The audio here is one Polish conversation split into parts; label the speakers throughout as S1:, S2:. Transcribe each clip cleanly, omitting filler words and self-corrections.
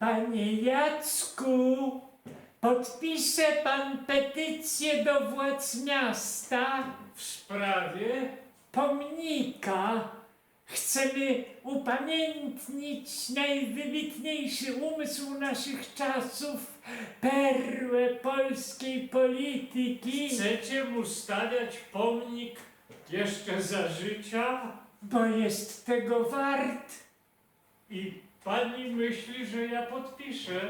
S1: Panie Jacku, podpisze pan petycję do władz miasta
S2: W sprawie?
S1: pomnika. Chcemy upamiętnić najwybitniejszy umysł naszych czasów, perłę polskiej polityki,
S2: Chcecie mu stawiać pomnik jeszcze za życia?
S1: bo jest tego wart.
S2: I pani myśli, że ja podpiszę?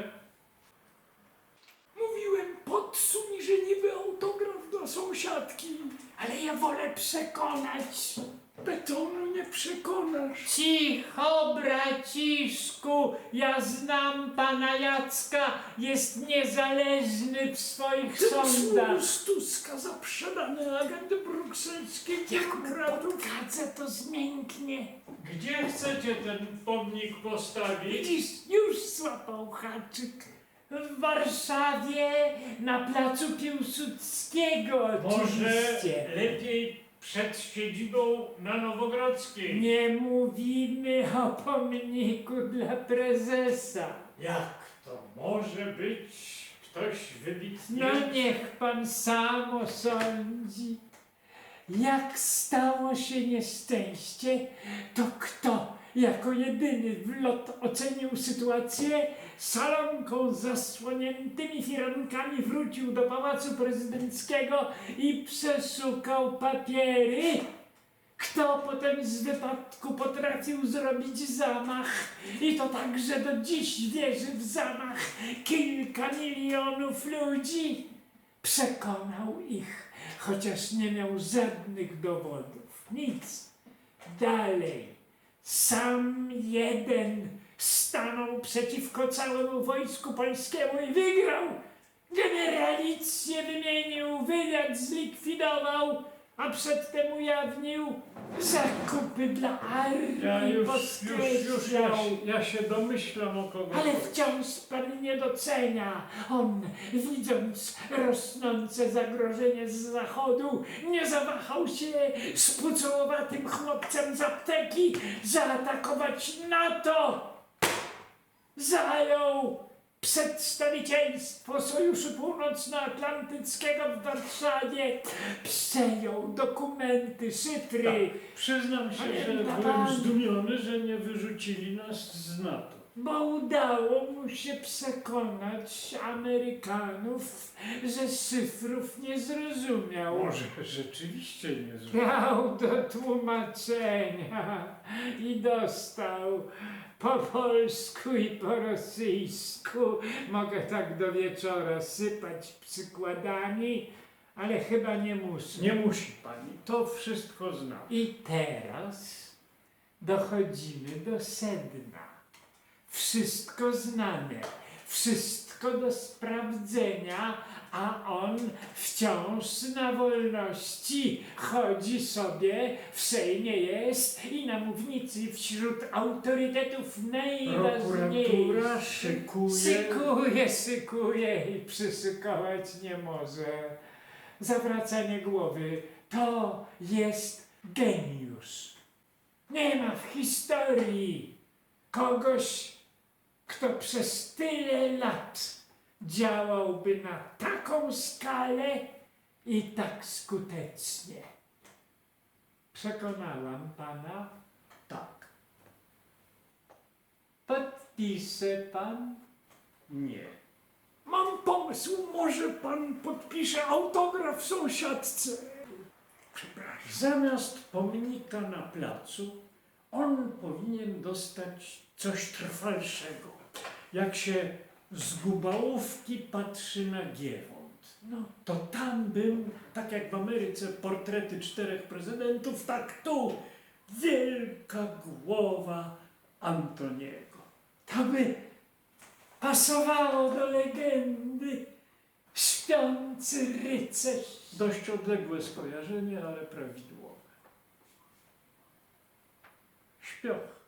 S3: Mówiłem, podsuń, że niby autograf dla sąsiadki.
S1: Ale ja wolę przekonać.
S3: Betonu nie przekonasz.
S1: Cicho, braciszku, ja znam pana Jacka, jest niezależny w swoich
S3: Ten
S1: sądach.
S3: z Tuska za sprzedane agendy brukselskich
S1: Jak
S3: demokratów.
S1: podkadzę, to zmięknie.
S2: Gdzie chcecie ten pomnik postawić?
S1: Widzisz, już złapał haczyk. W Warszawie, na placu Piłsudskiego
S2: Może
S1: oczywiście.
S2: lepiej przed siedzibą na Nowogrodzkiej?
S1: Nie mówimy o pomniku dla prezesa.
S2: Jak to może być ktoś wybitny?
S1: No niech pan sam osądzi. Jak stało się nieszczęście, to kto jako jedyny w lot ocenił sytuację, salonką z zasłoniętymi firankami wrócił do Pałacu Prezydenckiego i przeszukał papiery? Kto potem z wypadku potrafił zrobić zamach i to tak, że do dziś wierzy w zamach kilka milionów ludzi? Przekonał ich, chociaż nie miał żadnych dowodów. Nic. Dalej. Sam jeden stanął przeciwko całemu wojsku polskiemu i wygrał. Generalicję wymienił, wywiad zlikwidował, a przedtem ujawnił zakupy dla armii,
S2: Ja się domyślam, o kogo
S1: ale
S2: chodzi.
S1: wciąż pan nie docenia. On, widząc rosnące zagrożenie z zachodu, nie zawahał się z pucołowatym chłopcem z apteki zaatakować NATO. Zajął przedstawicielstwo Sojuszu Północnoatlantyckiego w Warszawie, przejął dokumenty, szyfry,
S2: Przyznam się, że
S1: Pamięta
S2: byłem
S1: pan?
S2: zdumiony, że nie wyrzucili nas z NATO.
S1: bo udało mu się przekonać Amerykanów, że szyfrów nie zrozumiał.
S2: Może rzeczywiście nie zrozumiał.
S1: Miał do tłumaczenia i dostał po polsku i po rosyjsku. Mogę tak do wieczora sypać przykładami, ale chyba nie muszę.
S2: Nie musi pani, to wszystko znam.
S1: I teraz dochodzimy do sedna. Wszystko znane, wszystko do sprawdzenia, a on wciąż na wolności chodzi sobie, w Sejmie jest i na mównicy wśród autorytetów
S2: Prokuratura
S1: najważniejszych. Szykuje i przyszykować nie może. Zawracanie głowy to jest geniusz. Nie ma w historii kogoś, kto przez tyle lat działałby na taką skalę i tak skutecznie. Przekonałam pana?
S2: Tak.
S1: Podpisze pan?
S2: Nie.
S3: Mam pomysł, może pan podpisze autograf sąsiadce. Przepraszam.
S2: Zamiast pomnika na placu, on powinien dostać coś trwalszego. Jak się z Gubałówki patrzy na Giewont,
S1: No,
S2: to tam był, tak jak w Ameryce, portrety 4 prezydentów, tak tu wielka głowa Antoniego.
S1: to by pasowało do legendy. Śpiący rycerz.
S2: Dość odległe skojarzenie, ale prawidłowe. Śpioch.